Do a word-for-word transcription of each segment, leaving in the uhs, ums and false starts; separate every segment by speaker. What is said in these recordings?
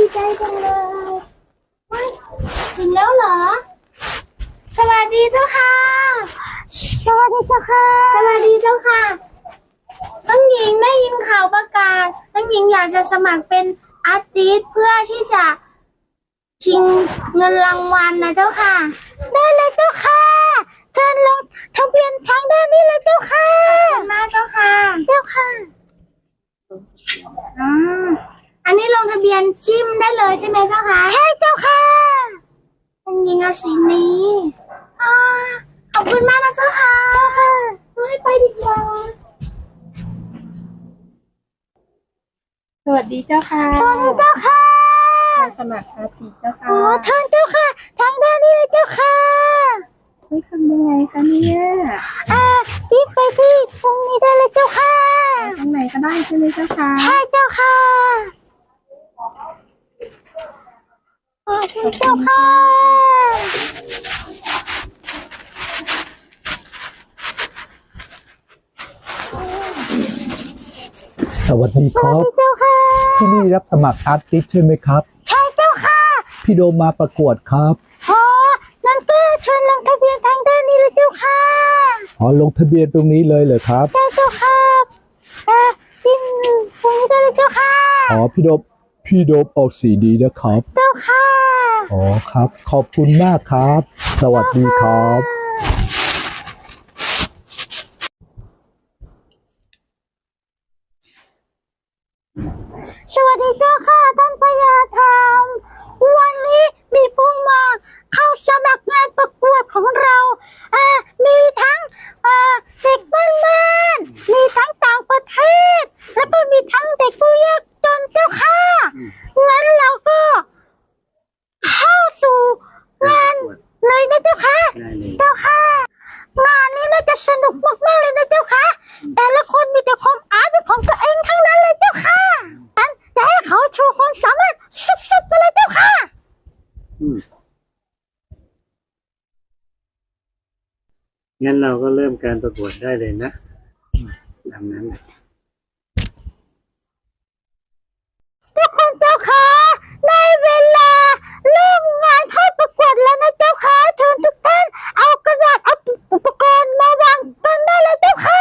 Speaker 1: ใจจังเลยว้ายถึงแล้วเหรอสวัสดีเจ้าค่ะสวัสดีเจ้าค่ะสวัสดีเจ้าค่ะน้องหญิงได้ยินข่าวประกาศน้องหญิงอยากจะสมัครเป็นอาร์ติสต์เพื่อที่จะชิงเงินรางวัลนะเจ้าค่ะได้เลยเจ้าค่ะเชิญลงทะเบียนทางด้านนี้เลยเจ้าค่ะขอบคุณมากเจ้าค่ะเจ้าค่ะอ่าอันนี้ลงทะเบียนจิ้มได้เลยใช่ไหมเจ้าคะใช่เจ้าค่ะน้องหญิงเอาสีนี้อ่าขอบคุณมากนะเจ้าค่ะให้ไปดีกว่า
Speaker 2: สวัสดีเจ้าค่ะ
Speaker 1: สวัสดีเจ้าค่ะ
Speaker 2: มาสมัครอาทิตย์เจ้าค่ะ
Speaker 1: อ๋อทางเจ้าค่ะทางด้านนี้เลยเจ้าค่ะ
Speaker 2: ช่วยทำยังไงคะเนี่ย
Speaker 1: อ่าจิ้มไปที่ตรงนี้ได้เลยเจ้าค่ะ
Speaker 2: ตรงไหนก็ได้ใช่ไหมเจ้าค่ะ
Speaker 1: ใช่เจ้าค่ะขอบคุณเจ้าค่ะ
Speaker 3: สวัสดีครับ
Speaker 1: เจ้าค่ะ
Speaker 3: ที่นี่รับสมัครอาร์ติสต์ใช่ไหมครับ
Speaker 1: ใช่เจ้าค่ะ
Speaker 3: พี่โดมมาประกวดครับ
Speaker 1: อ๋อนั่นก็เชิญลงทะเบียนทางด้านนี้เลยเจ้าค่ะ
Speaker 3: อ๋อลงทะเบียนตรงนี้เลยเหรอครับ
Speaker 1: ใช่เจ้าค่ะเอ่อจิ้มตรงนี้ได้เลยเจ้าค่ะ
Speaker 3: อ๋อพี่โดมพี่โดมออกสีดีนะครับ
Speaker 1: เจ้าค่ะ
Speaker 3: อ๋อครับขอบคุณมากครับสวัสดีครับ
Speaker 1: สวัสดีเจ้าค่ะท่านพญาธรรมวันนี้มีผู้มาเข้าสมัครงานประกวดของเราเอ่อมีทั้งเอ่อเด็กบ้านบ้านมีทั้งต่างประเทศแล้วก็มีทั้งเด็กผู้ยากจนเจ้าค่ะงั้นเราก็เข้าสู่งานเลยนะเจ้าค่ะเจ้าค่ะงานนี้น่าจะสนุกมากๆเลยนะเจ้าค่ะแต่ละคนมีแต่ความอาร์ตเป็นของตัวเองทั้งนั้นเลยเจ้าค่ะงั้นจะให้เขาโชว์ความสามารถสุดๆไปเลยเจ้าค่ะ
Speaker 4: งั้นเราก็เริ่มการประกวดได้เลยนะตามนั้น
Speaker 1: ทุกคนเจ้าค่ะได้เวลาเริ่มงานเข้าประกวดแล้วนะเจ้าค่ะเชิญทุกท่านเอากระดาษเอาอุปกรณ์มาวางกันได้เลยเจ้าค่ะ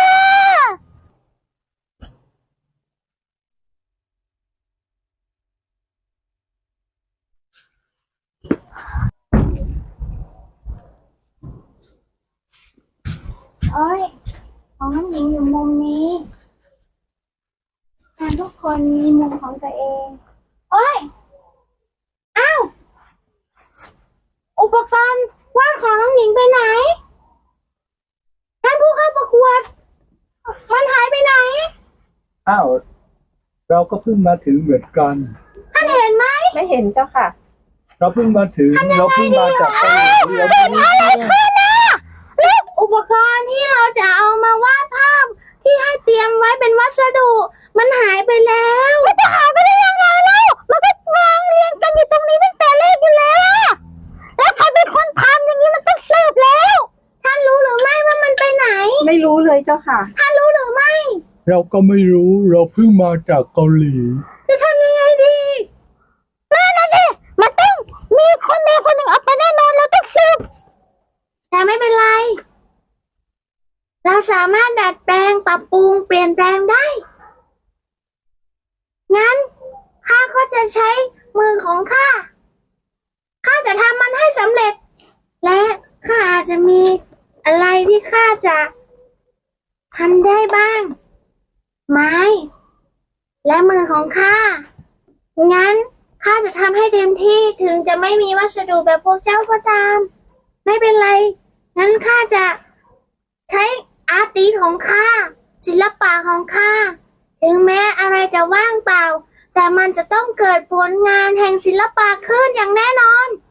Speaker 1: โอ้ยของน้องหญิงอยู่มุมนี้แต่ทุกคนมีมุมของตัวเองโอ้ยอ้าวอุปกรณ์วาดของน้องหญิงไปไหนท่านผู้เข้าประกวดมันหายไปไหน
Speaker 3: อ้าวเราก็เพิ่งมาถึงเหมือนกัน
Speaker 1: ท่านเห็นไหม
Speaker 2: ไม่เห็นเจ้าค่ะ
Speaker 3: เราเพิ่งมาถึงเราเพิ่งมาจากเกาหลีเรา
Speaker 1: เกิดอะไรขึ้นนะลูกอุปกรณ์ที่เราจะเอามาวาดภาพที่ให้เตรียมไว้เป็นวัสดุมันหายไปแล้วมันจะหายไปได้ยังไงเล่ามันก็วางเรียงกันอยู่ตรงนี้ตั้งแต่แรกอยู่แล้วแล้วใครเป็นคนทำอย่างนี้มันต้องสืบแล้วท่านรู้หรือไม่ว่ามันไปไหน
Speaker 2: ไม่รู้เลยเจ้าค่ะ
Speaker 1: ท่านรู้หรือไม่
Speaker 3: เราก็ไม่รู้เราเพิ่งมาจากเกาหลี
Speaker 1: จะทำยังไงดีนั่นน่ะดิมันต้องมีคนใดคนหนึ่งเอาไปแน่นอนเราต้องสืบแต่ไม่เป็นไรเราสามารถดัดแปลงปรับปรุงเปลี่ยนแปลงได้งั้นข้าก็จะใช้มือของข้าข้าจะทำมันให้สำเร็จและข้าอาจจะมีอะไรที่ข้าจะทำได้บ้างไม้และมือของข้างั้นข้าจะทำให้เต็มที่ถึงจะไม่มีวัสดุแบบพวกเจ้าก็ตามไม่เป็นไรงั้นข้าจะใช้อาร์ติสต์ของข้าศิลปะของข้าถึงแม้อะไรจะว่างเปล่าแต่มันจะต้องเกิดผลงานแห่งศิลปะขึ้นอย่างแน่นอน